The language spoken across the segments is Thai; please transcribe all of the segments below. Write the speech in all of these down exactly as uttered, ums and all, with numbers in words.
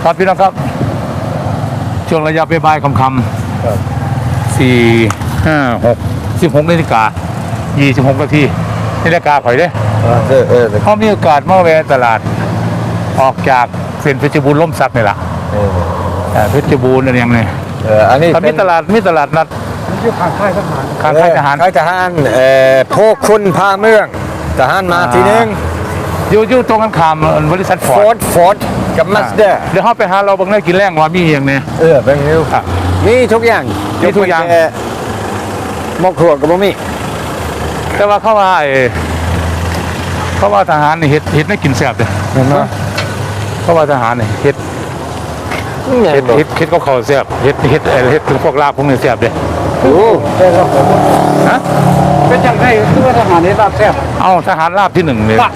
ครับพี่น้องครับช่วงระยะเปบ่ายคำๆสี่ห้าหกสิบหกนาฬิกายี่สิบหกนาทีนาฬิกาข่อยเด้เออเออเขามีโอกาสมาแวะตลาดออกจากเส้นเพชรบูรณ์ล่มสักนี่แหละเพชรบูรณ์อะไรอย่างนี้เอออันนี้มีตลาดมีตลาดนัดชื่อข้างค่ายทหารข้างค่ายทหารค่ายทหารเอ่อโพคุณพาเมืองทหารมาทีนึงอยู่อยู่ตรงกันข้ามบริษัทฟอร์ดฟอร์ดกับมาสเตอร์เดี๋ยวเขาไปหาเราบางได้กินแรงว่ามีอย่างนี้เออเป็นนิ้วมีทุกอย่างมีทุกอย่างหมกถั่วกับบ่มีแต่ว่าเขาว่าเขาว่าทหารนี่เฮ็ดเฮ็ดไม่กินแซ่บเลยเห็นไหมเขาว่าทหารนี่เฮ็ดเฮ็ดเฮ็ดเฮ็ดก็เขาแซ่บเฮ็ดเฮ็ดเฮ็ดถึงพวกลาบพวกนี้แซ่บเลยโอ้ฮะเป็นอย่างไรคือว่าทหารนี่รับแซ่บเอาทหารลาบที่หนึ่งเลย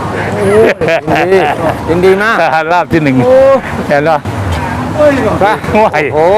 ยินดีมากทหารลาบที่หนึ่งเห็นไหมป่ะโอ้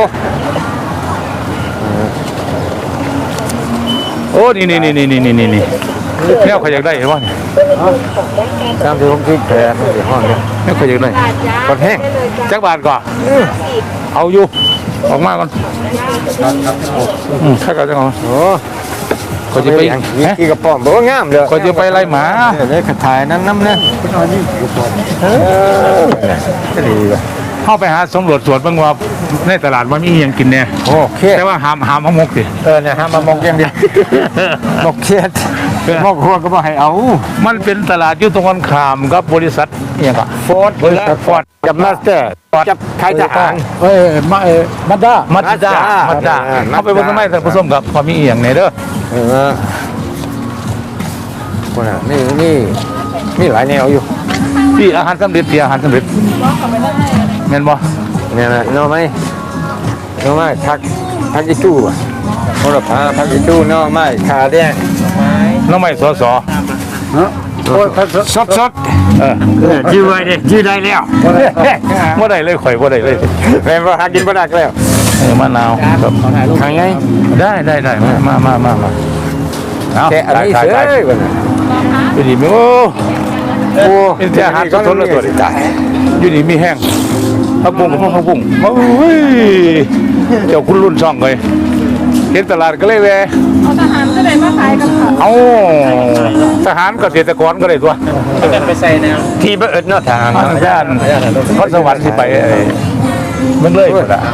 โอ้นี่นี่นี่นี่นี่นี่นี่แม่เขาอยากได้เห็นป่ะเนี่ยตามที่ผมคิดแผนในห้องนี้แม่เขาอยากได้กดแห้งจักบาทก่อนเอาอยู่ออกมาก่อนอืมถ้าเขาจะเอาโอ้เขาจะไปกี่กระป๋องบอกว่างามเลยเขาจะไปไล่หมาเลยขัดถ่ายนั้นน้ำเนี่ยเออก็ดีเลยเข้าไปหาสำรวจสวนบางว่าในตลาดมันมีอย่างกินเนี่ยโอเคแต่ว่าหามหามมกสิเออเนี่ยหามมามกอย่างเดียวมกเครียดมกหัวก็บ่ให้เอามันเป็นตลาดอยู่ตรงกันข้ามกับบริษัทเนี่ยก็ฟอร์ดบริษัทฟอร์ดกับมาสเตอร์กับค่ายทหารเอ้ยมาเอ้มาด้ามาด้ามาด้าเอาไปบนต้นไม้แต่ผสมกับความมีอย่างไหนเด้อเออคนอ่ะนี่นี่มีหลายแนวอยู่ที่อาหารสำเร็จที่อาหารสำเร็จแม่นบ่เนี่ยนะน้อไหมน้อไหมพักพักอีจู้อ่ะโหระพาพักอีจู้น้อไหมขาแดงน้อไหมสอสอเนาะโอ้ยสดสดเออยืดไว้ดิยืดได้แล้วบ่ได้เลยข่อยบ่ได้เลยแม่บ่หากินบ่ได้แล้วเออมะนาวครับทางไงได้ได้ได้มามามามาเอาแกอันนี้เฉยบ่น่ะอยู่ดีมีโอ้โอ้เป็นอาหารสดๆเลยตัวนี้อยู่ดีมีแห้งผักบุ้งกับผักบุ้งโอ้ยเจ้าคุณรุ่นช่องเลยเห็นตลาดก็เลยแวะเอาทหารก็เลยมาขายกันค่ะเอาทหารเกษตรกรก็เลยตัวไปใส่แนวที่บ่เอิดเนาะทางย่านพรสวรรค์สิไปมันเลยหมดอ่ะ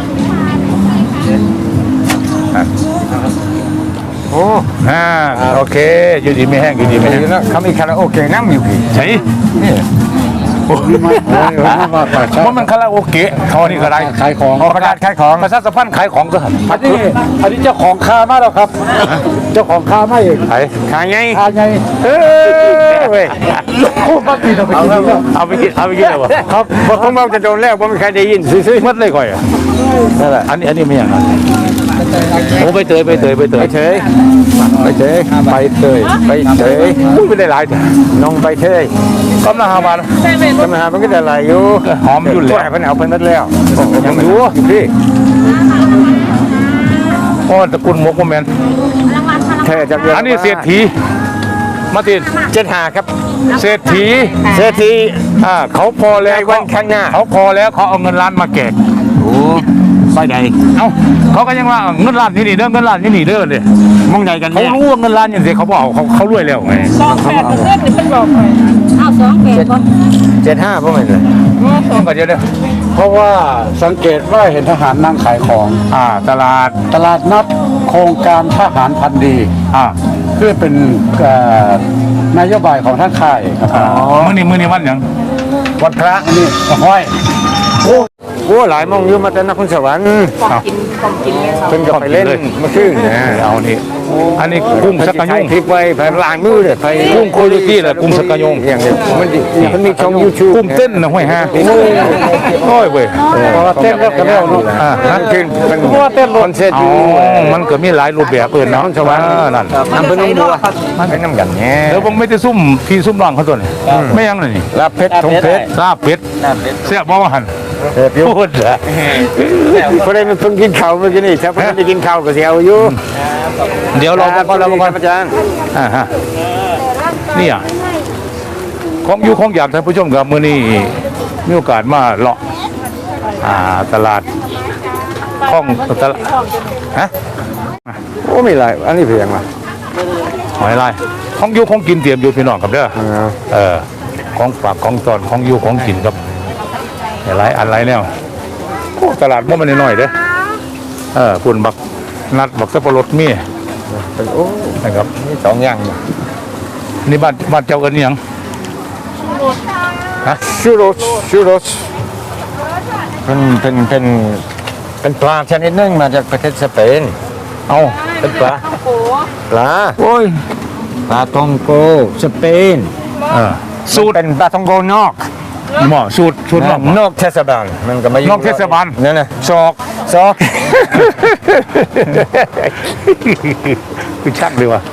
โอ้ฮ่าโอเคอยู่ดีไม่แห้งอยู่ดีไม่แห้งเขามีคาราโอเกะน้ำอยู่พี่ใช่นี่โอ้ว่ามันคาราโอเกะเขานี่ก็ได้ขายของประกาศขายของประชาสัมพันธ์ขายของก็หันอันนี้อันนี้เจ้าของคามาแล้วครับเจ้าของคามาเองขายขายไงขายไงเออเว้ยโอ้บ้าปีเอาไปกินเอาไปกินเอาไปกินเลยวะครับผมเอาจะโดนแล้วผมไม่เคยได้ยินซื้อๆมัดเลยก่อยอ่ะนั่นแหละอันนี้อันนี้ไม่อย่างนั้นโอ้ไปเตยไปเตยไปเตยไปเฉยไปเฉยไปเตยไปเฉยไม่ได้หลายจ้ะน้องไปเฉยกำลังหาบ้านกำลังหามันก็จะไหลอยู่หอมยุ่นเลยเพิ่นเอาเพิ่นนัดแล้วยังอยู่พี่โอ้ตระกูลมกโมเมนต์แท้จากอันนี้เศรษฐีมาติดเจ็ดหาครับเศรษฐีเศรษฐีอ่าเขาพอแล้ววันข้างหน้าเขาพอแล้วเขาเอาเงินล้านมาแจกโอ้ไปไหนเอ้าเขาก็ยังว่าเงินล้านที่นี่เด้อเงินล้านที่นี่เด้อเลยมองใหญ่กันเขารู้ว่าเงินล้านอย่างเดียวเขาบอกเขาเขารวยแล้วไงสองแปดเปอร์เซ็นต์นี่เป็นบอกไปเอาสองแปดคนเจ็ดห้าพวกมันเลยต้องกันเยอะเลยเพราะว่าสังเกตว่าเห็นทหารนั่งขายของอ่าตลาดตลาดนัดโครงการทหารพันดีอ่าเพื่อเป็นนโยบายของท่านค่ายครับอ๋อมื้อนี้มื้อนี้วันอย่างวันพระนี่ห้อยโอ้โหหลายมองอยู่มาแต่นครสวรรค์ของกินของกินเลยเพิ่นก็ไปเล่นมาขึ้นเอานี่อันนี้กุ้งสักกะยงคลิปไว้ไปล้างมือเลยไปกุ้งโคโยตี้แหละกุ้งสักกะยงอย่างเดียวมันมันมีช่อง YouTube กุ้งเต้นนะห้วยฮะโอ้ยเว้ยเพราะว่าเต้นแล้วก็แล้วเนาะอ่านั่นคือมันเพราะว่าเต้นคอนเสิร์ตอยู่มันก็มีหลายรูปแบบเปิดนะสวรรค์นั่นน้ำเป็นน้ำบัวมันเป็นน้ำกันแง่เดี๋ยวผมไม่ได้ซุ่มพี่ซุ่มน้องเขาตัวนี้ไม่ยังเลยนี่ลาบเพชรทงเพชรลาบเพชรเสียบ่ว่าหันพูดเหรอพอได้มันเพิ่งกินข้าวเมื่อกี้นี่ถ้าเพิ่งได้กินข้าวก็เสียวอยู่เดี๋ยวเราก่อนเราก่อนอาจารย์อ่าฮะนี่อ่ะของอยู่ของอยากท่านผู้ชมกับมื้อนี้มีโอกาสมาเลาะอ่าตลาดคลองตลาดฮะโอ้มีหลายอันนี้เพียงว่ะหอยลายของอยู่ของกินเตรียมอยู่พี่น้องครับเด้อเออเออของฝากของตอนของอยู่ของกินครับหลายอันหลายแนวโอ้ตลาดมันมันน้อยๆเด้อเออปุ่นบักนัดบักสับปะรดมีเป็นโอ้นะครับมีสองอย่างเนี่ยนี่บ้านบ้านเจ้ากันนี่ยังฮะชูโรสชูโรสเป็นเป็นเป็นเป็นปลาชนิดหนึงมาจากประเทศสเปนเอาเป็นปลาโอ้ปลาโอ้ยปลาทองโกสเปนเออสูตรเป็นปลาทองโกนอกหม้อสูตรสูตรนอกนอกเทศบาลมันก็ไม่อยู่นอกเทศบาลนั่นน่ะซอกซอกคือชักเลยว่ะ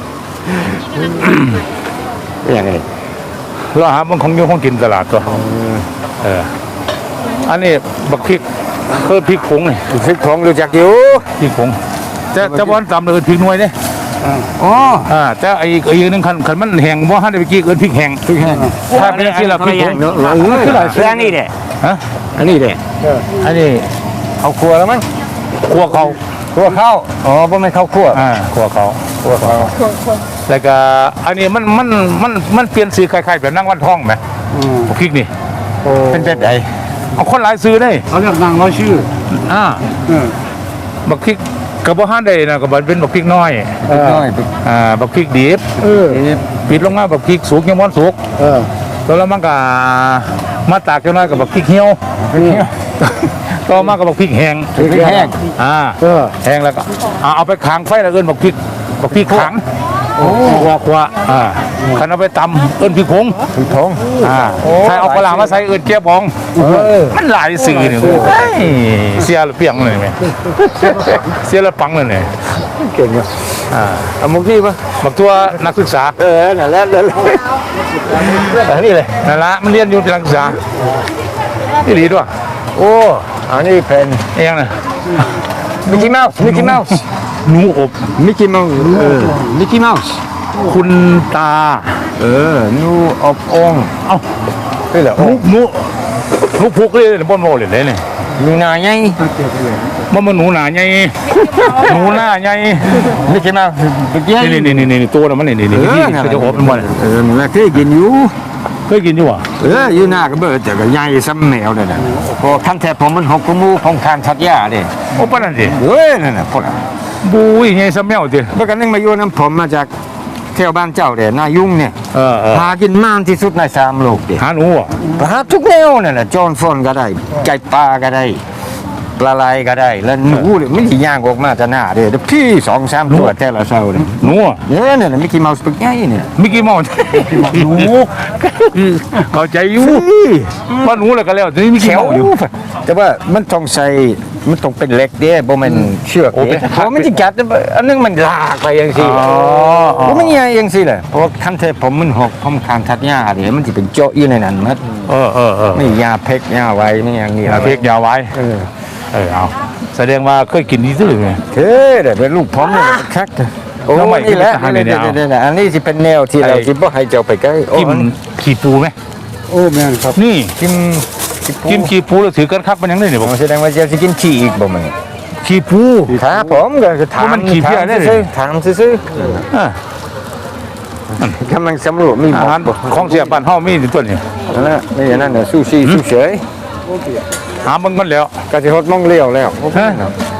อย่างนี้เราหามันของอยู่ของกินตลาดตัวเอออันนี้บักพริกเพิ่มพริกผงนี่พริกผงรู้จักอยู่พริกผงแต่แต่บอลตำเลยพริกหน่วยเนี่ยอ๋ออ่าแต่ไอ้ไอ้นึงคันคันมันแห้งบ่ฮั่นได้ไปกี้เอิ้นพริกแห้งพริกแห้งถ้าเป็นที่ละพริกผงเนอะเออคืออันนี้แหละฮะอันนี้แหละอันนี้เขาครัวแล้วมั้งคั่วเขาครัวข้าวอ๋อบ่แม่นข้าวคั่วอ่าคั่วเขาคั่วเขาแล้วก็อันนี้มันมันมันมันเปลี่ยนสีคล้ายๆแบบนั่งวันทองไหมอืมพริกนี่เป็นแบบไหนเอาคนหลายซื้อได้เขาเรียกนางร้อยชื่ออ่าเออบักพริกกระบอกห้านได้นะกระบอกเป็นบักพริกน้อยพริกน้อยพริกอ่าบักพริกดิบเออปิดลงมาบักพริกสุกยังม้อนสุกเออแล้วมันก็มาตากจังน้อยกับบักพริกเหี่ยวต่อมากับบักพริกแห้งพริกแห้งอ่าเออแห้งแล้วก็อ่าเอาไปขางไฟแล้วเอิ้นบักพริกบักพริกขังโอ้ครัวครัวอ่าคันเอาไปตำเอิ้นพริกผงพริกผงอ่าใส่เอาปลาร้ามาใส่เอิ้นเจี๊ยบองเออมันหลายสื่อนี่เฮ้ยเสียหรือเปียงเลยไหมเสียหรือปังเลยเนี่ยเก่งอ่ะอ่าเอามุกนี่ป่ะบักตัวนักศึกษาเออนั่นแหละนั่นแหละอันนี้เลยนั่นละมันเรียนอยู่ที่นักศึกษาที่ดีด้วยโอ้อันนี้เป็นเองนะมิกกี้เมาส์มิกกี้เมาส์หนูอบมิกกี้เมาส์เออมิกกี้เมาส์คุณตาเออนูอบองเอ้านี่แหละหนูหนูหนูพุกเลยบนโมเลยเลยเนี่ยนูนาไงมันมันหนูหนาไงหนูหน้าไงมิกกี้เมาส์มิกกี้นี่นี่นี่นี่ตัวน่ะมันนี่นี่นี่ที่เขาจะอบเป็นวันเออมันเคยกินอยู่เคยกินอยู่อ่ะเอออยู่หน้าก็เบิดแต่ก็ใหญ่ซ้ำแมวเลยนะพอขั้นแทบผมมันหกกมูของทานทัดยาเด้โอ้ปะนั่นสิเอ้ยนั่นน่ะพวกนั้นบุ้ยไงสมัยสิเมื่อกันนึงมาอยู่น้ำผมมาจากแถวบ้านเจ้าเด้นายุ่งเนี่ยเออเออหากินมากที่สุดในสามโลกเด้หาหนูอ่ะหาทุกแนวนั่นแหละโจรฟอนก็ได้ไก่ปลาก็ได้ปลาไหลก็ได้แล้วหนูเนี่ยไม่ได้ย่างออกมาจะหน้าเด้แล้วพี่สองสามตัวแต่ละเช้าเนี่ยหนูอ่ะเนี่ยเนี่ยมิกกี้เมาส์ปึกใหญ่เนี่ยมิกกี้เมาส์หนูเข้าใจอยู่ว่าหนูแล้วก็แล้วนี่มิกแถกี้วเมาส์อยู่แต่ว่ามันต้องใส่มันต้องเป็นเหล็กเด้บ่แม่นเชือกโอ้เป็นเด้เพราะมันสิกัดอันนึงมันลากไปจังซี่อ๋ออ๋อบ่มันใหญ่จังซี่แหละเพราะคันเทผมมันหกผมคานทัดหญ้าเด้มันสิเป็นเจาะอยู่ในนั้นหมดเออเออเออไม่ยาเพกยาไว้ไม่อย่างนี้เอาพริกยาวไว้เออเออเอาแสดงว่าเคยกินดีซื่อไงเท่เด้เป็นลูกผมเนี่ยคักโอ้ทำไมนี่แหละกินอาหารเนี่ยเอานี่ๆๆอันนี้สิเป็นแนวที่เราสิบ่ให้เจ้าไปใกล้โอ้กินขี้ปูไหมโอ้แม่นครับนี่กินกินขี้ปูแล้วถือกันคักมันยังได้เนี่ยผผมมแสดงว่าเจ้าสิกินขี้อีกบ่แม่นขี้ปูครับผมก็คือถามมันขี้เพี้ยได้เลยซื่อๆถามซื่ออ่ะๆกำลังสำรวจมีอาหารของเสียบ้านเฮามีอยู่ตัวนี้นั่นแหละนี่อันนั่นน่ะซูชิซูเฉยหามันมันแล้วก็สิฮดมองเลี้ยวแล้วฮะ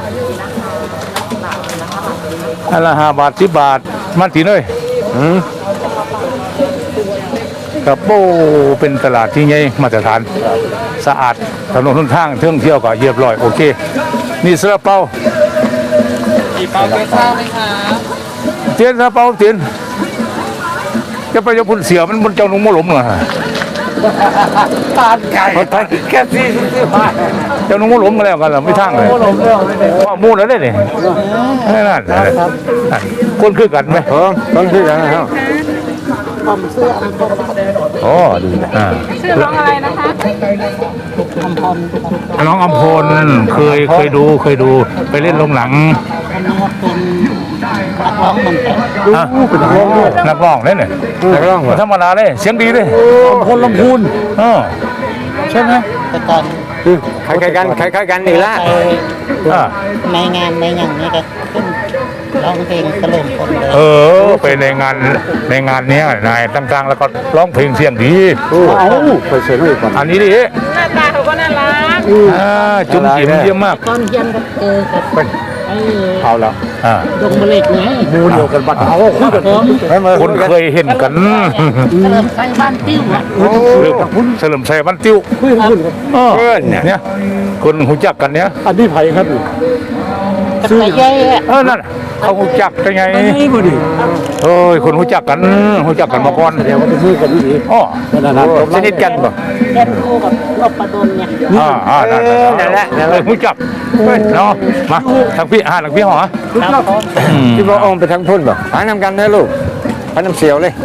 อันละห้าบาทสิบบาทมันตีเลยอืมกับโป้เป็นตลาดที่ใหญ่มาตรฐานสะอาดถนนหนทางเที่ยวเที่ยวก็เรียบร้อยโอเค นี่ซาลาเปากี่เปาเกซ่าไหมคะเตียนซาลาเปาเตียนจะไปจะพุ่นเสียมันบนเจ้าหนุ่มมะหลมเหรอตาดไก่แค่สี่สิบห้าเจ้าหนุ่มมะหลมมาแล้วกันเหรอไม่ทั้งเลยหลงเรื่องเลยเนี่ยว่ามูแล้วได้เนี่ยนั่นนั่นคนคือกันไหมเออต้องคือกันนะครับโอ้ดีนะอ่าชื่อน้องอะไรนะคะน้องอำพลเคยเคยดูเคยดูไปเล่นลงหนัง อ่ะนักร้องเล่นเนี่ยนักร้องธรรมดาเลยเสียงดีเลยคนลำพูนเออใช่ไหมแต่ก่อนคล้ายๆกันคล้ายๆกันนี่ละอ่าในงานในอย่างนี้ก็ขึ้นร้องเพลงเฉลิมพลเลยเออไปในงานในงานเนี้ยนายต่างๆแล้วก็ร้องเพลงเสียงดีเอาไปเซ็นให้ก่อนอันนี้ดิหน้าตาเขาก็น่ารักอ่าจุ๋มจิ๋มเยี่ยมมากตอนเย็นก็เจอกับไอ้เอาแล้วอ่าดงมะเล็กไงมูเดียวกันบัดเอาคุยกันคนเคยเห็นกันเฉลิมไทยบ้านติ้วอ่ะเฉลิมชัยบ้านติ้วคุยกันเออเนี่ยคนหูจักกันเนี่ยอันนี้ไผครับกับไก่ใหญ่อ่ะเออนั่นน่ะเขาหูจักกันไงนี่บ่ดีเอ้ยคนหูจักกันหูจักกันมาก่อนเดี๋ยวก็ไปคุยกันดีอ๋อนั่นน่ะสนิทกันบ่เล่นคู่กับนพประดลเนี่ยอ่าอ่านั่นนั่นแหละนั่นแหละหูจักเนาะมาทางพี่อ่าทางพี่หอครับผมคิดว่าออมไปทางพุ่นบ่หานำกันนะลูกหาน้ำเสียวเลย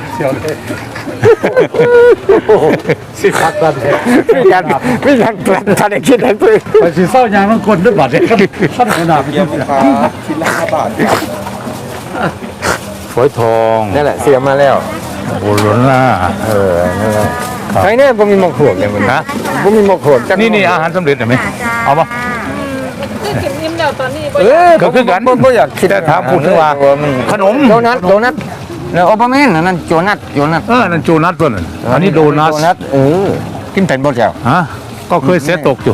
สิพักกันไม่ยังไม่ยังทันได้คิดทันปืนไปสิเศร้ายางทั้งคนด้วยบัดเนี่ยท่านขนาดเยี่ยมครับชิ้นละห้าบาทฝอยทองนั่นแหละเสียมาแล้วโบโลน่าเออนั่นแหละใครเนี่ยบ่มีหมกหวกเลยมันฮะบ่มีหมกหวกจักนี่นี่อาหารสำเร็จเห็นไหมเอาปะคือกินยิ้มแล้วตอนนี้เออก็คือกันบ่บ่อยากคิดแต่ถามพูดถึงว่าขนมโดนัทโดนัทแล้วโอปาเมนอันนั้นโจนัทโจนัทเออนั่นโจนัสตัวนั้นอันนี้โดนัสโดนัทเออกินเป็นบ่แจ้วฮะก็เคยเสยตกอยู่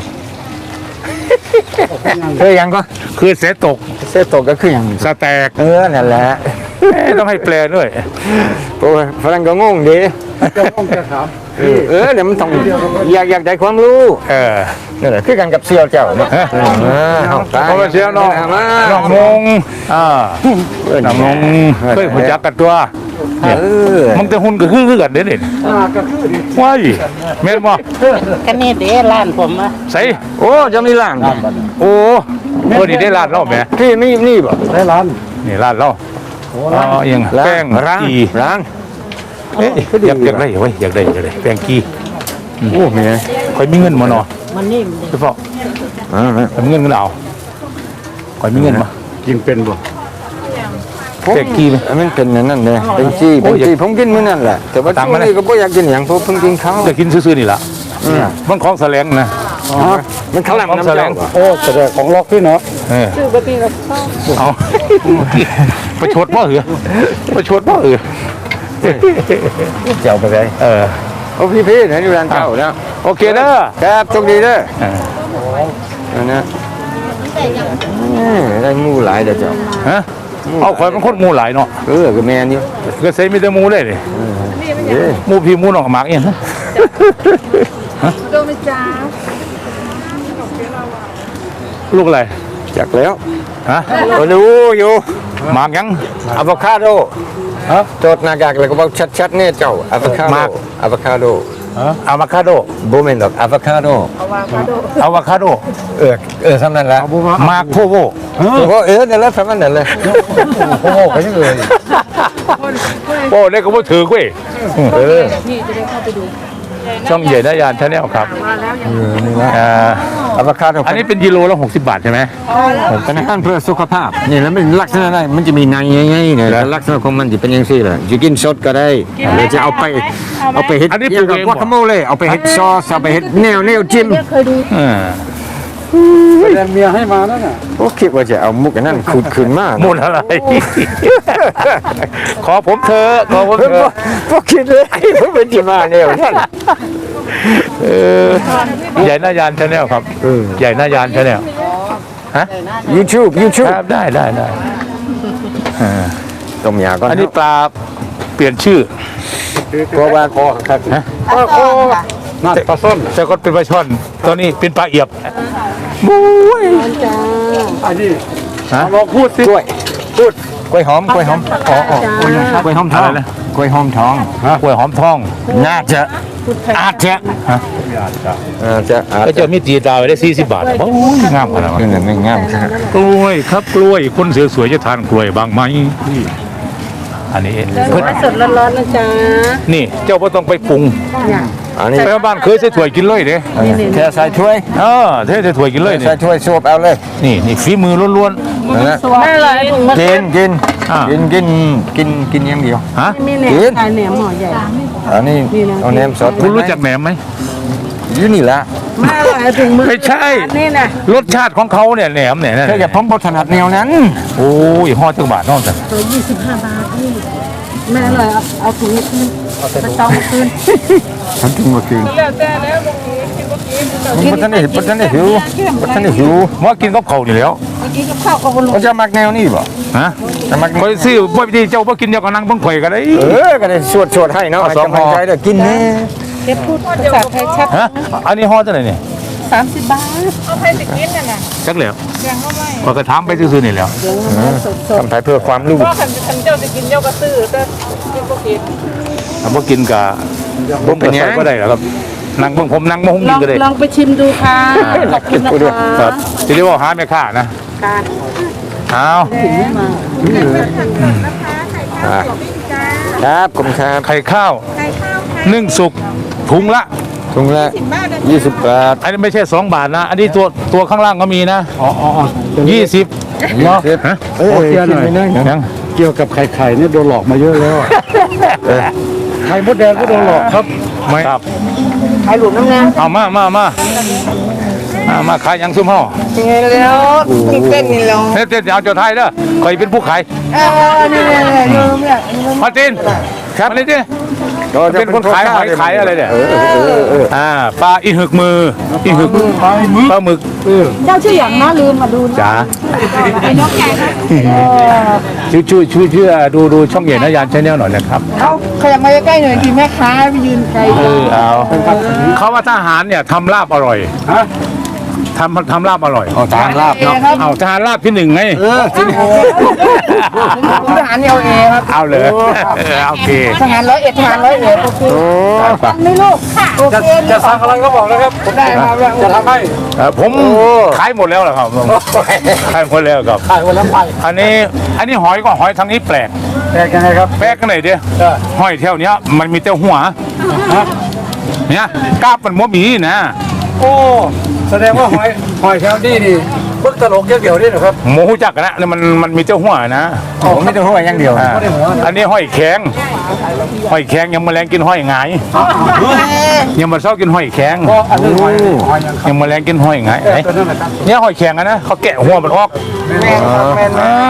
เคยยังก็เคยเสยตกเซตกก็คือหยังสแตกเออนั่นแหละเอ๊ะต้องให้แปลด้วยโอ้ยฝรั่งก็งงดีจะต้องจะถามเออเดี๋ยวมันต้องอยากอยากได้ความรู้เออนั่นแหละคือกันกับเสี่ยวเจ้าเนาะฮะเออเอาตายเพราะว่าเสียน้องมาน้องนงอ่าเออน้องนงเคยหัวจักกันตัวเออมันจะหุ่นก็คือคือกันเด้นี่อ่าก็คือดีว้ายแม่นบ่ก็นี่เด้ร้านผมอ่ะใส่โอ้จะมีร้านโอ้เพิ่นนี่ได้ร้านเราแหมพี่นี่นี่บ่ได้ร้านนี่ร้านเราอ๋อเอียงร้านแป้งร้านกีร้านเอ๊ะอยากอยากได้เว้ยอยากได้อยากได้แป้งกีโอ้แม่ข่อยมีเงินมาเนาะมันนิ่มดิเฉพาะอ่าข่อยมีเงินก็เอาข่อยมีเงินมายิงเป็นบ่แป้งกีไหมมันเป็นนั่นนั่นเลยเป็นจี้โอ้เป็นยจี้ผมกินมื้อนั่นแหละแต่ว่าตามช่วมาง เลยนี้ก็บ่อยากกินหยังเพราะเพิ่งกินข้าวจะกินซื่อๆนี่ล่ะมันของแสลงนะอ๋อมันข้าวหลามของน้ำแสลเจ้าง บ่โอ้แต่ของล็อกพี่เนาะเออชื่อปกติเราชอบเอาประชดบ่เหรอประชดบ่เหรอเจ้าไปไสเออโอ้พี่พี่ๆเห็นอยู่ร้านเจ้าแล้วโอเคเด้อครับโชคดีเด้อเออนั่นนะเออได้หมูหลายเด้อเจ้าฮะเอาข่อยมันคนหมู่หลายเนาะเออก็แม่นอยู่ก็ใส่มีแต่หมู่ได้เลยเด้อหมู่พี่หมู่น้องหมากเองนะโดมิจ้าลูกอะไรจักแล้วฮะก็รู้อยู่หมากยังอะโวคาโดฮะโจทย์หน้ากากแล้วก็บอกชัดๆเนี่ยเจ้าอะโวคาโดอะโวคาโดอะวาคาโดบ่แม่นดอกอะโวคาโดอะวาคาโดเออเออสำนั้นละหมากโพโวโอ้เออนั่นแหละสำนั้นเลยโพโวก็ยังเลยโอ้ได้ก็บ่ถือเว้ยเออพี่จะได้เข้าไปดูช่องใหญ่นายานชาแนลครับอ่าอะโวคาโดอันนี้เป็นกิโลละหกสิบบาทใช่ไหมเป็นอาหารเพื่อสุขภาพนี่แล้วมันลักษณะได้มันจะมีในใหญ่ๆเนี่ยแล้วลักษณะของมันจะเป็นอย่างซี่แหละจะกินสดก็ได้หรือจะเอาไปเอาไปเฮ็ดอย่างกับวาคาโมเล่เอาไปเฮ็ดซอสเอาไปเฮ็ดแนวแนวจิ้มเคยดูอ่าแต่เมียให้มานั่นน่ะโอ้คิดว่าจะเอามุกอันนั้นขุดขึ้นมามูลอะไร ขอผมเธอะขอผมเพิ่นเธบ่อะบ่คิดเลยเพิ่นเป็นที่มาแนวนั่นเออใหญ่นายานชาแนลครับใหญ่นายานชาแนลฮะ YouTube ค YouTube รับได้ได้ได้อ่าต้มยาก่อนอันนี้ปลาเปลี่ยนชื่อเพราะว่าคอครับฮะคอนั่นปลาส้มแต่ก็เป็นปลาช่อน ตอนนี้เป็นปลาเอียบอันนี้ฮะลองพูดสิกล้วยพูดกล้วยหอมกล้วยหอมอ๋ออ๋อกล้วยหอมทองอะไรนะกล้วยหอมทองกล้วยหอมทองน่าจะอาจจะฮะอาจจะอาจก็จะจะมีตีดาวได้สี่สิบบาทโอ้ยงามขนาดคือนั้นนั่นไม่งามใช่ไหมกล้วยครับกล้วยคนสวยๆจะทานกล้วยบ้างไหมอันนี้เพิ่นสดร้อนๆนะจ๊ะนี่เจ้าก็ต้องไปปรุงอันนี้ไปบ้านเคยใส่ถ้วยกินเลยเด้แค่ใส่ถ้วยเออเทใส่ถ้วยกินเลยนี่ใส่ถ้วยสูบเอาเลยนี่นี่ฝีมือล้วนนั่นแหละน่ารักถุงมันกินกินอ่ากินกินกินกินอย่างเดียวๆฮะมีแหนมขายแหนมห่อใหญ่อันนี้เอาแหนมสดคุณรู้จักแหนมไหมอยู่นี่แหละมาอร่อยถึงมือไม่ใช่นี่นะรสชาติของเขาเนี่ยแหนมเนี่ยนะแค่อย่าผมบ่ถนัดแนวนั้นโอ้ยห่อจังบาทนอกจากตัวยี่สิบห้าบาทนี่แม่อร่อยเอาเอาถุงนี้คืนไปจองมาคืนฉันถึงบ่กินแล้วแต่แล้วกินก็กินมันบ่ทันได้บ่ทันได้หิวบ่ทันได้หิวว่ากินกับเขาวนี่แล้วกินกับข้าวก็บนลงมันจะมักแนวนี้บ่ฮะจะมักคอยซื้อบ่พี่เจ้าบ่กินเดียวกับนางเบิ่งข่อยก็ได้เออก็ได้สวดๆให้เนาะให้กำลังใจเด้อกินแน่เก็บพูดภาษาไทยชัดฮะอันนี้ห่อเท่าไหร่เนี่ยสามสิบบาทเอาไปสิกินน่ะนะจักแล้วแบ่งเข้าไปข้อยก็ถามไปซื่อๆนี่แหล้วทำไทยเพื่อความรู้ก็คันคันเจ้าจะกินเจ้าก็ซื้อแต่กินก็กินถ้าบ่กินก็บ่เป็นหยังก็ได้หรอกครับนั่งเบิ่งผมนั่งบ่ฮุ้งลกิอน งก็ได้ลองไปชิมดูค่ะขอบคุณนะคคะรับสิได้ว่าหาแม่ค้านะการเอาถึงมาครับขอบคุณครับไข่ข้าวนึ่งสุกถุงละถุงละยี่สิบบาทอันนี้ไม่ใช่สองบาทนะ อันนี้ตัวตัวข้างล่างก็มีนะอ๋ออ๋ออ๋อยี่สิบเนาะฮะเอ้ยเกี่ยวหน่อยยังเกี่ยวกับไข่ไข่เนี่ยโดนหลอกมาเยอะแล้วอะไข่มดแดงก็โดนหลอกครับไม่ครับขายหลุมน้ำงาเอามามามามามาขายยังซุ่มห่อเงี้ยแล้วกินเต้นนี่แล้วเต้นเต้นเอาเจ้าไทยเด้อคอยเป็นผู้ขายเออนี่นี่นี่ลืมเนี่ยมาตินครับมาตินเป็นคนขายหอยขายอะไรเนี่ยอ่าปลาอีหึกมืออีหึกปลาปลาหมึกเจ้าชื่ออย่างนะลืมมาดูจ๋าไอ้นกแก่ครับช่วยช่วยช่วยช่วยดูดูช่องเย็นนะยานชาแนลหน่อยนะครับเขาขยับมาใกล้ๆหน่อยทีแม่ค้าไปยืนไกลเออเอาเขาว่าทหารเนี่ยทำลาบอร่อยทำทำลาบอร่อยเอาตามลาบเนาะเอาทหารลาบที่หนึ่งไงเออจริงทหารเอลเอครับเอาเลยโอเคทหารร้อยเอ็ดทหารร้อยเอ็ดโอเคฟังไหม่ลูกค่ะโอเคจะสั่งอะไรก็บอกนะครับผมได้ครับจะทำให้เอ่อผมขายหมดแล้วเหรอครับขายหมดแล้วครับขายวันละไปอันนี้อันนี้หอยก็หอยทางนี้แปลกแตกยังไงครับแปลกกันไหนเดียวหอยแถวเนี้ยมันมีแต่หัวเนี่ยกล้าบมันมัวหมีนะโอ้แสดงว่าหอยหอยแถวนี้นี่บึกตลกเกี่ยวๆนี่นะครับหมูจักนะเนี่ยมันมันมีแต่หัวนะผมไม่ต้องหัวอย่างเดียวอ่าอันนี้หอยแข็งหอยแข็งยังแมลงกินหอยหงายยังมาเศร้ากินหอยแข็งก็อันนี้หอยหอยยังยังแมลงกินหอยหงายเอ้ยตัวนั้นนะครับเนี่ยหอยแข็งอะนะเขาแกะหัวมันออกแม่ครับแม่อ่าย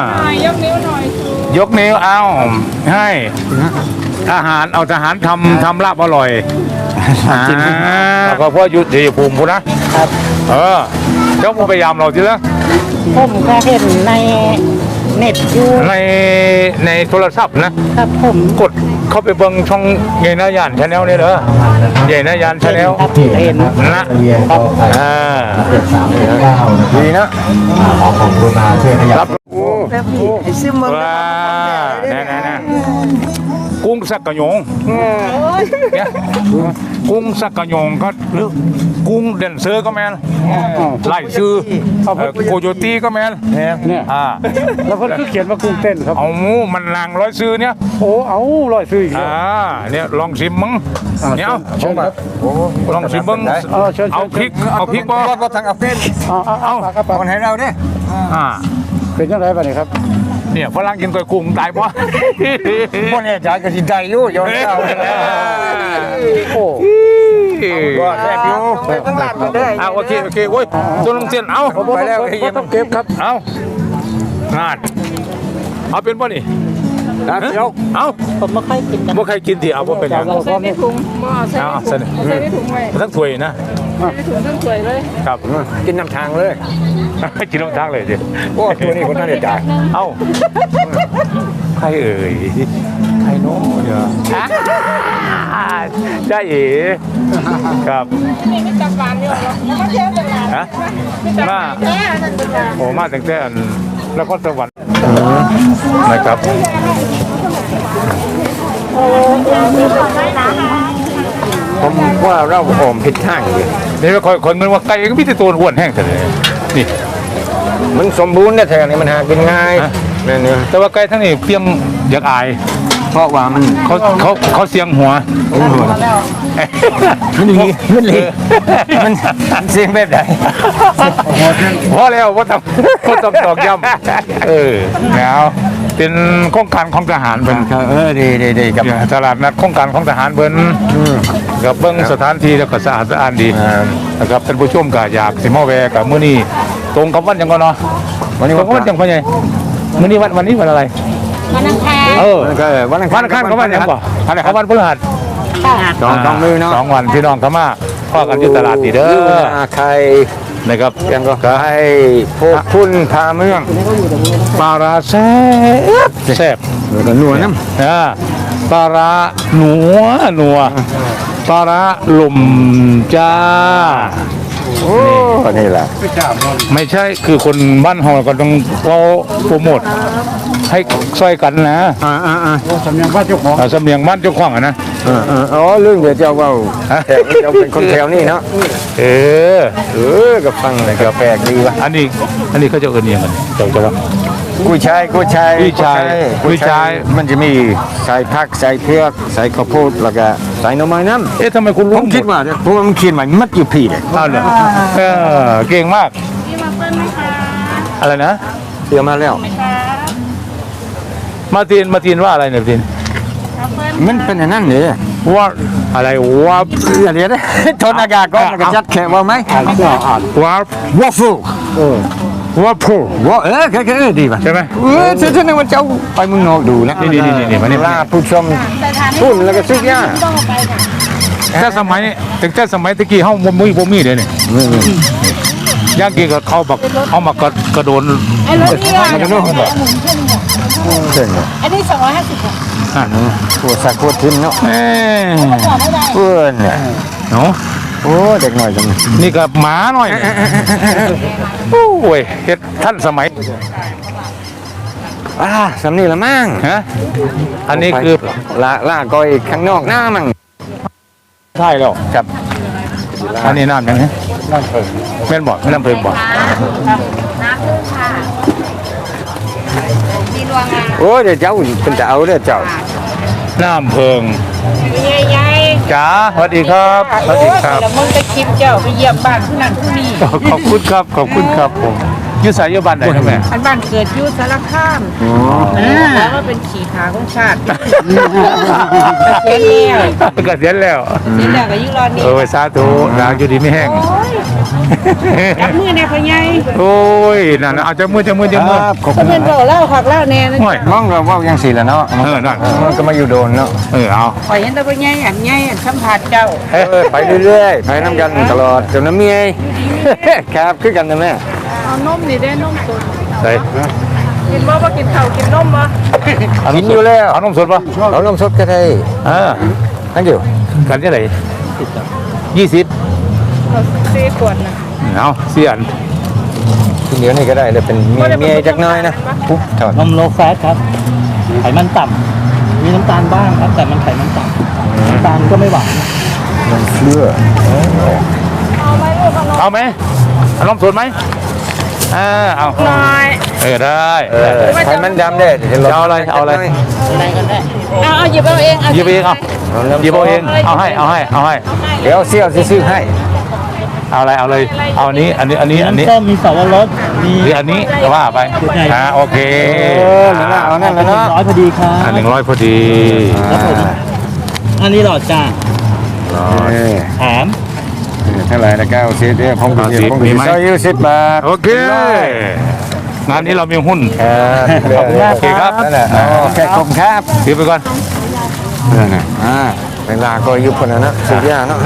กนิ้วหน่อยยกนิ้วเอาให้ทหารเอาทหารทำทำลาบอร่อยกินแล้วก็เพราะอยุติภูมิพูนะครับ เออเจ้าพยายามเราทีละผมก็เห็นในเน็ตอยู่ในในโทรศัพท์นะครับผมกดเข้าไปเบิ่งช่องใหญ่นายานชาแนลนี่เด้อใหญ่นายานชาแนลครับเห็นนะอ่าดีนะรับแบบนี้ไอ้ซึมมันว้าแน่ๆๆกุ้งสักกะหยงเนี่ยกุ้งสักกะหยงก็หรือกุ้งเด่นเซอร์ก็แมนไล่ซื้อเอ่อโคโยตี้ก็แมนเนี่ยอ่าแล้วเพิ่นก็เขียนว่ากุ้งเต้นครับเอาหมูมันลางร้อยซื้อเนี่ยโอ้เอาร้อยซื้ออีกแล้วอ่าเนี่ยลองชิมมั้งเนี่ยเอาเชิญครับลองชิมเบิ้งเออเชิญเอาพริกเอาพริกบ่ก็ทางอัฟเฟนเอาเอาเอาปากครับปากคนให้เราเด้อ่าเป็นยังไงบ้างนี่ครับเนี่ยฝรั่งกินก๋วยกุ้งตายบ่พวกนี้จ่ายกันสิได้อยู่ยอมเราโอ้ก็แซ่บอยู่ต้องหลัดมาด้วยเอาโอเคโอเคโอ้ยตัวลงเสียนเอาไปแล้วก็ต้องเก็บครับเอางานเอาเป็นบ่นี่ครับเดี๋ยวเอาผมไม่ค่อยกินกันบ่ใครกินดิเอาบ่เป็นหยังเราก็นี่ถุงบ่ใส่เอาถุเสงนอใส่ในถุงไว้ทั้งถ้วยนะใส่ในถุงทั้งสวยเลยครับกินน้ำทางเลยกินน้ำทางเลยดิโอ้ตัวนี้คนนั้นได้จ่ายเอ้าใครเอ่ยใครโน้เดี๋ยวได้เอ๋ครับนี่ไม่จับหวานอยู่หรอกมาเที่ยวตลาดฮะไม่จับหวานแค่นั้นเป็นการโอ้มาตั้งแต่อันนครสวรรค์นะครับผมว่าเราหอมผิดทางอยู่นี่คอยคนมันว่าไก่ก็มีแต่ตัวอ้วนแห้งแต่เลยนี่มันสมบูรณ์เนี่ยแถวนี้มันหากินง่ายนี่นี่แต่ว่าไก่ทั้งนี้เพียงอยากอายเพราะว่ามันเขาเขาเขาเสียงหัวมันอย่างนี้มันเลยมันเสียงแบบไหนพอแล้วว่าทำว่าทำตอกย้ำเออแล้วเป็นโครงการของทหารเป็นเออดีดีดีกับตลาดนัดโครงการของทหารเบิ้นกับเบิ้งสถานที่แล้วก็สะอาดสะอ้านดีนะครับท่านผู้ชมก็อยากสิมาแวะกับมื้อนี้ตรงกับวันหยังก่อนเนาะวันนี้ตรงกับวันหยังพ่อใหญ่มื้อนี้วันวันนี้วันอะไรวันอังคารเออก็วันอังวันอังคารกับวันหยังบ่อันไหนครับวันพฤหัสสองสองมือเนาะสองวันพี่น้องเข้ามาพ่อกันอยู่ตลาดนี่เด้อใครนะครับยังก็ใครพวกคุณพาเมืองปลาร้าแซ่บแซ่บแล้วก็นัวน้อ่าปลาร้าหนัวหนัวปลาร้าหล่มจ้าำโอ้นี่แหละไม่ใช่คือคนบ้านเฮาก็ต้องเราโปรโมทให้ช่วยกันนะอ่าอ่าอ่าสำเนียงว่าเจ้าของอ่าสำเนียงบ้านเจ้าของอะนะอ่าอ่าอ๋อเรื่องเดี๋ยวเจ้าเว่าแถวเจ้าเป็นคนแถวนี่เนาะเออเออกับฟังเลยก็แปลกดีวะอันนี้อันนี้เขาจะเอิ้นอิหยังกันเจ้าเจ้าว่ากุ้ยช่ายกุ้ยช่ายกุ้ยช่ายกุ้ยช่ายกุ้ยช่ายมันจะมีใส่ผักใส่เผือกใส่ข้าวโพดแล้วก็ใส่หน่อไม้น้ำเอ๊ะทำไมคุณผรู้มคิดว่าเนี่ยเพราะว่ามันเขียนไว้มัดอยู่พี่เลยอ้าวเหรอเออเก่งมากอะไรนะเตรียมมาแล้วมาร์ตินมาร์ตินว่าอะไรเนี่ยมาร์ตินมันเป็นอย่างนั้นเลยว่าอะไรว่าอย่าเรียนนะทนอากาศก่อนแล้วก็จัดแขกว่าไหมอ่านเสื้ออ่านว่าวอฟเฟิลเออว่าพูว่าเออแค่ๆดีป่ะใช่ไหมเออฉันฉันนึกว่าเจ้าไปเมึงนอกดูนะนี่นี่นี่นี่มานี่ลาผู้ชมพูดแล้วก็ซื้อยาแต่สมัยถึงแต่สมัยตะกี้เฮาบ่มีบ่มีเด้นี่ย่างกี้ก็เขาบักเอามากระกระโดนไอ้รถนี่อ่ะมันก็โดนเขาบอกเช่นอันนี้สองร้อยห้าสิบอ่ะปวดสักปวดทิมเนาะเอ้ยบอกไม่ได้เพื่อนเนี่ยเนาะโอ้เด็กหน่อยจังนี่ก็หมาหน่อยโอ้ยเฮ็ดท่านสมัยอ่าสำนีละมั่งฮะอันนี้คือลาลาก้อยข้างนอกหน้ามั่งใช่แล้วครับอันนี้น้ำยังไงน้ำเพิ่งแม่นบ่น้ำเพิ่งบ่น้ำพึ่งค่ะมีรวงอ่ะโอ้เดี๋ยวเจ้าเป็นจะเอาเด้อเจ้าน้ำเพิ่งใหญ่จ๋าสวัสดีครับสวัสดีครับแล้วมึงจะคลิปเจ้าไปเยี่ยมบ้านผู้นั้นผู้นี้ขอบคุณครับ ขอบคุณครับผมอยุสายอยุบันไหนครับแม่อันบ้านเกิดอยูสารคามแล้วว่าเป็นขี่ขาของชาติเสียแล้วเกษียณแล้วเสียแล้วก็ยิ่งรอนี่เออสาธุนางอยู่ดีไม่แห้งจับมือแน่พ่อใหญ่โอ้ยนั่นน่ะเอาจะมือจะมือจะมือขอบคุณเพื่อนบอกเล่าขักเล่าแน่นะห่วยมองเราว่ายังสีแล้วเนาะเออนั่นมันก็มาอยู่โดนเนาะเออเอาข่อยเห็นแต่พ่อใหญ่อันใหญ่อันสัมผัสเจ้าเออไปเรื่อยๆไปน้ำกันตลอดจนน้ำเมียครับคือกันนะแม่เอานมนี่ได้นมสดใส่กินบ่ว่ากินข้าวกินนมบ่กินอยู่แล้วเอานมสดป่ะเอานมสดก็ได้เออนั่นเดียวกันที่ไหนยี่สิบสี่ขวดนะเอาเสียนกินเดี๋ยวนี้ก็ได้เลยเป็นเมียเมียจักหน้อยนะปุ๊บถอดนมโลแฟตครับ ไขมันต่ำมีน้ำตาลบ้างครับ แต่มันไขมันต่ำน้ำตาลก็ไม่หวานนมเชื่อเอาไหมเอานมสดไหมเออเอาน้อยเออได้เออไขมันดำเด้จะเอาอะไรเอาอะไรเอาเอาหยิบเอาเองเอาหยิบเองเอาหยิบเอาเองเอาให้เอาให้เอาให้เดี๋ยวเสี่ยวซื้อให้เอาอะไรเอาเลยเอาอันนี้อันนี้อันนี้อันนี้ส้มมีสวรสมีหรืออันนี้ว่าไปอ่าโอเคเออนั่นละเอานั่นละเนาะร้อยพอดีครับอ่าหนึ่งร้อยพอดีอันนี้หลอดจ้าเออแถมเท่าไหร่นะเก้าสิบเนี่ยผมก็สิบผมก็สิบซอยยี่สิบบาทโอเคงานนี้เรามีหุ้นครับขอบคุณมากครับนั่นแหละโอเคขอบคุณครับถือไปก่อนนั่นน่ะอ่าเวลาก็ยุบคนนั้นนะสุดยอดเนาะ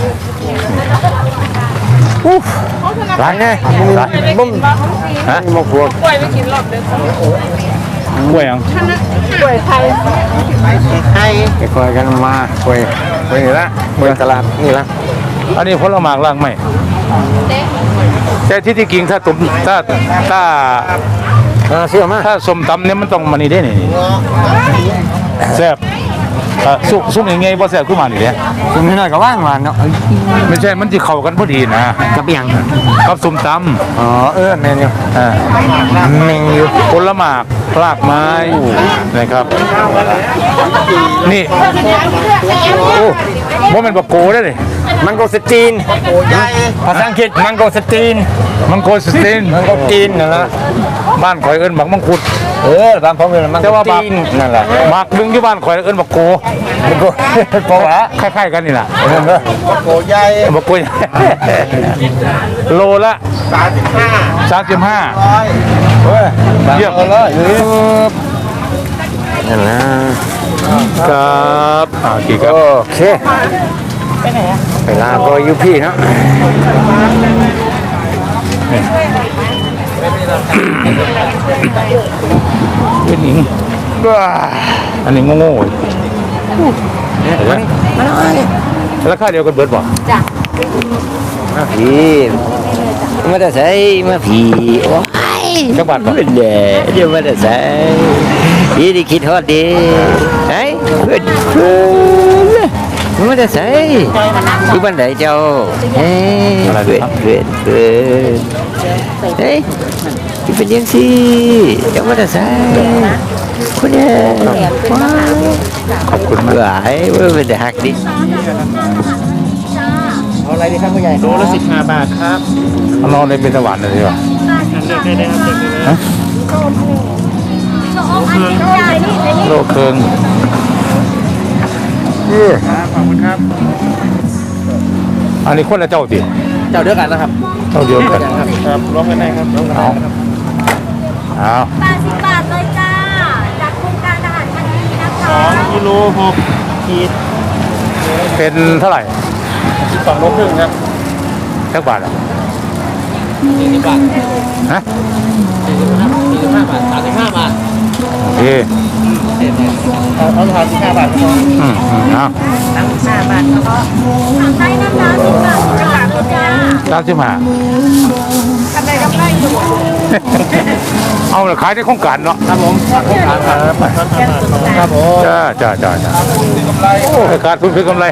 อุ๊บหลายไงบุ้มฮะหมกพวกกล้วยไปกินรอบเด้อกล้วยยังกล้วยไทยไปคอยกันมาคุยคุยนี่ละคุยตลาดนี่ละอันนี้ผลไม้ล่างไหมแต่ที่ที่กิงถ้าตุ่มถ้าถ้าอ่าเชื่อมาถ้าสมตำเนี่ยมันต้องมานี่ได้นี่แซ่บอ่ะซุปซุปยังไงบ่แซ่บขึ้นมานี่เด้คุณนี่หน่อยก็ว่างมาเนาะไม่ใช่มันจะเข้ากันพอดีนะกับยังกับส้มตอ๋อเออแมนอยู่ำอ่าแมนอยู่ผลไม้รากไม้นะครับ นี่โอ้ว่ามันบะโกได้เลยมังโกสตีนภาษาอังกฤษมังโกสตีนมังโกสตินมังโกจีนนั่นละบ้านข่อยเอิ้นหมักมังคุดเออตามผมเลยมันแต่ว่าบักตีนนั่นแหละหมักดึงที่บ้านข่อยเอิ้นบักโกมันก็พอละคล้ายๆกันนี่แหละโกใหญ่บักโก โลละสามสิบห้าสามสิบห้าเฮ้ยเยี่ยมเลยนั่นนะครับอ่ากี่ครับโอเคเวลาก็อยู่พี่เนาะเป็นหญิงอันนี้โง่ๆราคาเดียวกันเบิดบ่มาพี่มาแต่ใส่มาพี่โอ้ยจักบาทบ่เดี๋ยวเดี๋ยวมาแต่ใส่พี่ได้คิดฮอดดีไอ้เพื่อนเพื่อนมาแต่ใส่อยู่บ้านไหนเจ้าเฮ้ยเพื่อนเพื่อนเพื่อนเฮ้ยที่เป็นยังสิเจ้ามาแต่ใส่คนเนี่ยว้าวขอบคุณมากหลายเว้ยเป็นหักดิเอาอะไรดีครับผู้ใหญ่โลละสิบห้าบาทครับเอานอนในเป็นสวรรค์เลยดีกว่าเลือกได้เลยครับเลือกได้เลยโลเคิงครับขอบคุณครับอันนี้คนละเจ้าติเจ้าเดียวกันนะครับเจ้าเดียวกันครับครับร้องกันได้ครับร้องกันได้ครับเอาแปดสิบบาทเลยจ้า จากโครงการทหารพันธุ์ดีนะคะสองกิโลหกขีดเป็นเท่าไหร่สิบสองโลครึ่งครับจักบาทอ่ะสี่สิบบาทฮะสี่สิบห้าสี่สิบห้าบาทสามสิบห้าบาทโอเคเอาเอาทานสิบห้าบาทครับอืมอืมเอาตั้งห้าบาทก็สั่งได้นะคะสิบบาทสิบบาทเลยจ้าสามสิบห้าทำได้กำไรอยู่เอาละขายในโครงการเนาะครับผมครับครับผมจ้าจ้าจ้าจ้าโอ้ยขาดทุนคือกำไร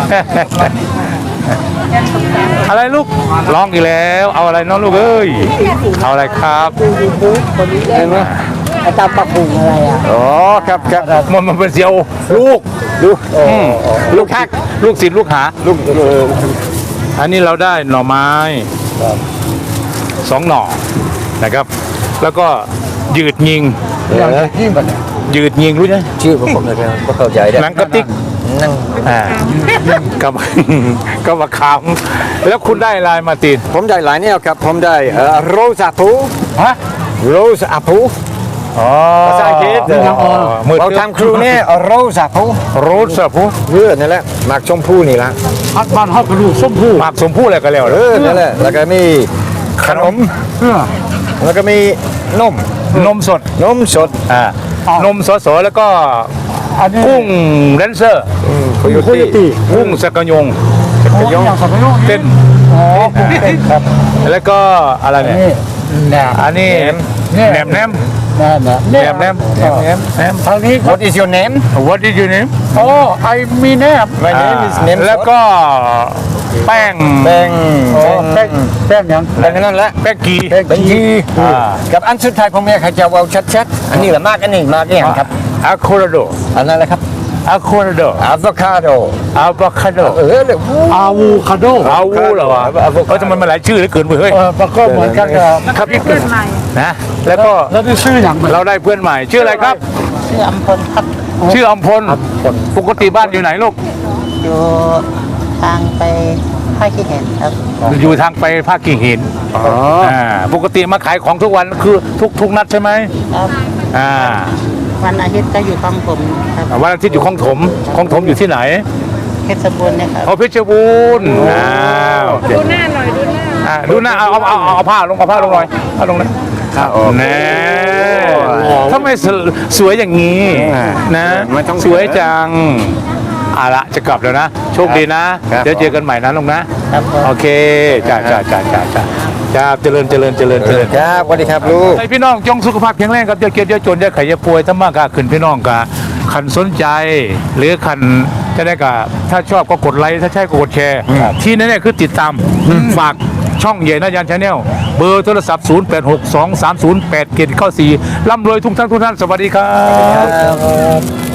อะไรลูกร้องอีกแล้ว เอาอะไรน้องลูกเอ้ย เอาอะไรครับเห็นไหมไอ้ตาปักปุ่งอะไรอ่ะอ๋อครับครับมันมันเป็นเสียวลูกลูกลูกฮักลูกศิษย์ลูกหาลูกอันนี้เราได้หน่อไม้สองหน่อนะครับ แล้วก็ยืดยิงยิ่งแบบยืดยิงรู้ไหมชื่อผมผมเลยก็เข้าใจได้หนังกระติกนั่งอ่ากับ กับมะขามแล้วคุณได้ลายมาตินผมได้หลายแนวครับผมได้เอ่อโรสอาปูฮะโรสอาปูอ๋อภาษาอังกฤษมือเราทำครูเนี่ยโรสอาปูโรสอะผู้เพื่อนั่นแหละหมากชมพู่นี่ละพัดบ้านฮอดกระดูกส้มผู้หมากสมผู้อะไรกันแล้วเอเด้ออนั่นแหละแล้วก็มีขนมเพื่อแล้วก็มีนมนมสดนมสดอ่านมสดๆแล้วก็อันนี้กุ้งแดนเซอร์โคโยโคโยตี้ตี้กุ้งสกกะยงโอ้ยอย่างสับปะรดเต้นอ๋อเต้นครับแล้วก็อะไรเนี่ยนี่แหนมอันนี้แหนมแหนมแหนมแหนมแหนมแหนมแหนมแหนมทางนี้ What is your name What did you name โอ้ไอมีแนม My name is อ่า name แล้วก็แป้งแป้งโอ้แป้งแป้งยังแป้งนั่นแหละแป้งกีแป้งแป้งยีอ่ากับอันสุดท้ายผมอยากให้เจ้าเว้าชัดๆอันนี้แหละมากอันนี้มากอย่างครับอะโคราโดอันนั้นแหละครับอะโคราโดอะโวคาโดอะโวคาโดเออเลยอาวูคาโดอาวูเหรอวะเออทำไมมันหลายชื่อเหลือเกินเว้ยเฮ้ยเออมันก็เหมือนกันกับครับเพื่อนใหม่นะแล้วก็แล้วนี่ชื่ออย่างไรเราได้เพื่อนใหม่ชื่ออะไรครับชื่ออำพลครับชื่ออมพลปกติบ้านอยู่ไหนลูกอยู่ทางไปภาคขี้เห็นครับอยู่ทางไปภาคกิ่งหินอ๋ออ่าปกติมาขายของทุกวันคือทุกทุกนัดใช่ไหมครับอ่าวันอาทิตย์ก็อยู่คลองผมครับวันอาทิตย์อยู่คลองถมคลองถมอยู่ที่ไหนเพชรบูรณ์เนะครับเอาเพชรบูรณ์อ้าวดูหน้าหน่อยดูหน้าอ่าดูหน้าเอาเอาเอาเอาผ้าลงเอาผ้าลงหน่อยผ้าลงนะแน่ทำไมสสวยอย่างนี้นะไม่ต้องสวยจังเอาละจะกลับแล้วนะ โชคดีนะครับเดี๋ยวเจอกันใหม่นะลุงนะครับผมโอเคจ้าจ้าจ้าจ้าจ้าจ้าเจริญเจริญเจริญเจริญครับสวัสดีครับลูกไอพี่น้องจงสุขภาพแข็งแรงครับอย่าเกียดอย่าจนอย่าไข่อย่าป่วยถ้ามากกขึ้นพี่น้องกะขันสนใจ หรือขันจะได้กะถ้าชอบก็กดไลค์ถ้าใช่ก็กดแชร์ที่นั่นเนี่ยคือติดตามฝากช่องใหญ่นายันชาแนลเบอร์โทรศัพท์ ศูนย์ แปด หก สอง สาม ศูนย์ แปด เจ็ด เก้า สี่ร่ำรวยทุกท่านทุกท่านสวัสดีครับ